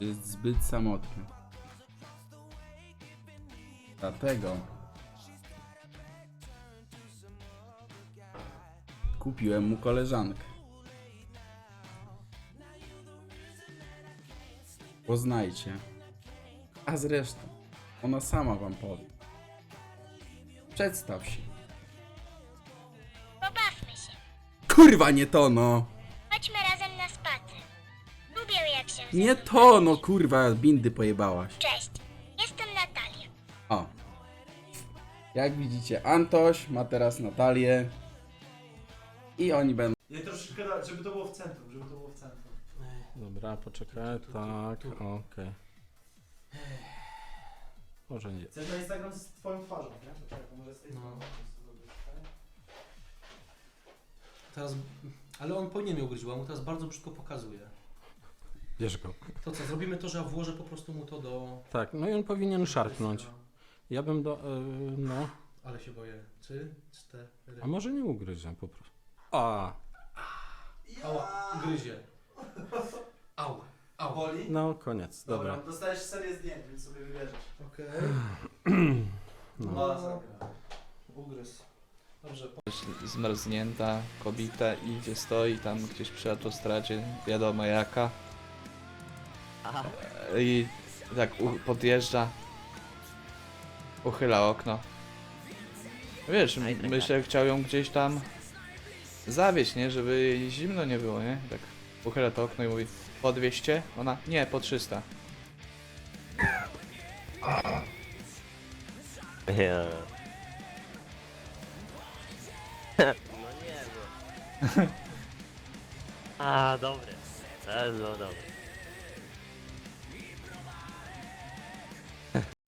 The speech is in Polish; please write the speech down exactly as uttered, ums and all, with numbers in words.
Jest zbyt samotny. Dlatego kupiłem mu koleżankę. Poznajcie. A zresztą, ona sama wam powie. Przedstaw się. Pobawmy się. Kurwa, nie to no! Chodźmy razem na spacer. Lubię jak się... ze Nie mną to bawisz. no, kurwa, bindy pojebałaś. Cześć, jestem Natalia. O. Jak widzicie, Antoś ma teraz Natalię. I oni będą... Ja troszeczkę, da- żeby to było w centrum, żeby to było w centrum. Dobra, poczekaj, Tu, tu, tu, tak, tu. okej. Może nie. Chcesz na Instagram z twoją twarzą, nie? Poczekaj, to może z tej No. strony. Teraz, ale on powinien mnie ugryźć, bo mu teraz bardzo brzydko pokazuje. Bierz go. To co, zrobimy to, że ja włożę po prostu mu to do... Tak, no i on powinien szarpnąć. Ja bym do... Yy, no. Ale się boję. Trzy, cztery... A może nie ugryzie po prostu. A, Ała, gryzie. Au, au. Boli? no koniec, Dobra. dobra. Dostajesz serię zdjęć, więc sobie wybierzesz. Okej. No. No, ugryz. Dobrze, Zmarznięta kobieta idzie, stoi tam gdzieś przy autostradzie, wiadomo jaka. I tak u, podjeżdża, uchyla okno. Wiesz, m- myślę, chciał ją gdzieś tam zawieźć, nie? Żeby jej zimno nie było, nie? Tak uchyla to okno i mówi, po dwieście? Ona, nie, po trzysta. Ja. No nie no. A, dobre. To jest no dobre.